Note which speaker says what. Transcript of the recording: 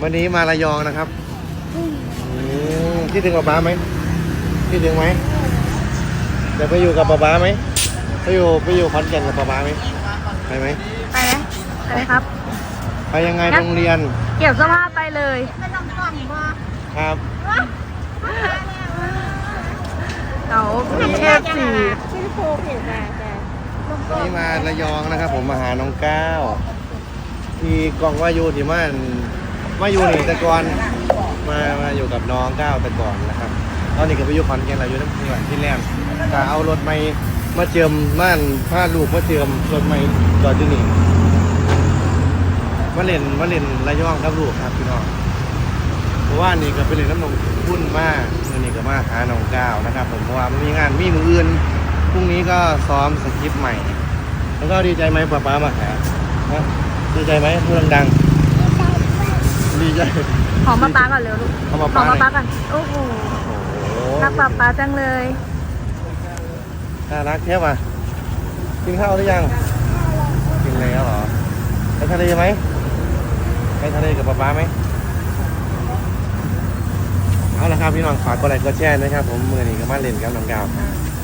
Speaker 1: วันนี้มาระยองนะครับคิดถึงป๊าป๊าไหมคิดถึงไหมจะไปอยู่กับป๊าป๊าไหมไปอยู่ขอนแก่นกับป๊าป๊าไหมไปไหม
Speaker 2: ไปไหมไปไหมครับ
Speaker 1: ไปยังไงโรงเรียน
Speaker 2: เก็บเสื้อผ้าไปเลย
Speaker 1: ครับ
Speaker 2: เราพีเอฟซี
Speaker 1: วันนี้มาระยองนะครับ ผมมาหาน้องก้าวที่กองว่าอยู่ที่มาอยู่นี่แต่ก่อนมาอยู่กับน้องก้าวแต่ก่อนนะครับตอนนี้ก็ไปอยู่ขอนแก่นเราอยู่น้ำเพื่อนที่แรกก็เอารถมาเจิมม่านผ้าลูกมาเจิมรถไม่จอดที่นี่มาเล่นระยองกับลูกครับพี่น้องเพราะว่านี่ก็ไปเล่นน้ำนมพุ่นมากวันนี้ก็มาหาน้องก้าวนะครับผมเพราะว่ามันมีงานมีมืออื่นพรุ่งนี้ก็ซ้อมสคริปต์ใหม่แล้วก็ดีใจไหมป๊ามาหาดีใจไหมพูดดังๆดีใจ
Speaker 2: หอมป๊าก่อนเร็วลูก
Speaker 1: หอม
Speaker 2: หอ
Speaker 1: ป๊าม
Speaker 2: ป๊าก่อนโอ้โหรักป๊าจังเลย
Speaker 1: น่ารักแค่ป่ะกินข้าวหรือยังกินแล้วเหรอไปทะเลไหมไปทะเลกับป๊าไหมเอาละครับพี่น้องฝากกดไลค์กดแชร์นะครับผมมือนี้ก็มาเล่นกับน้องก้าว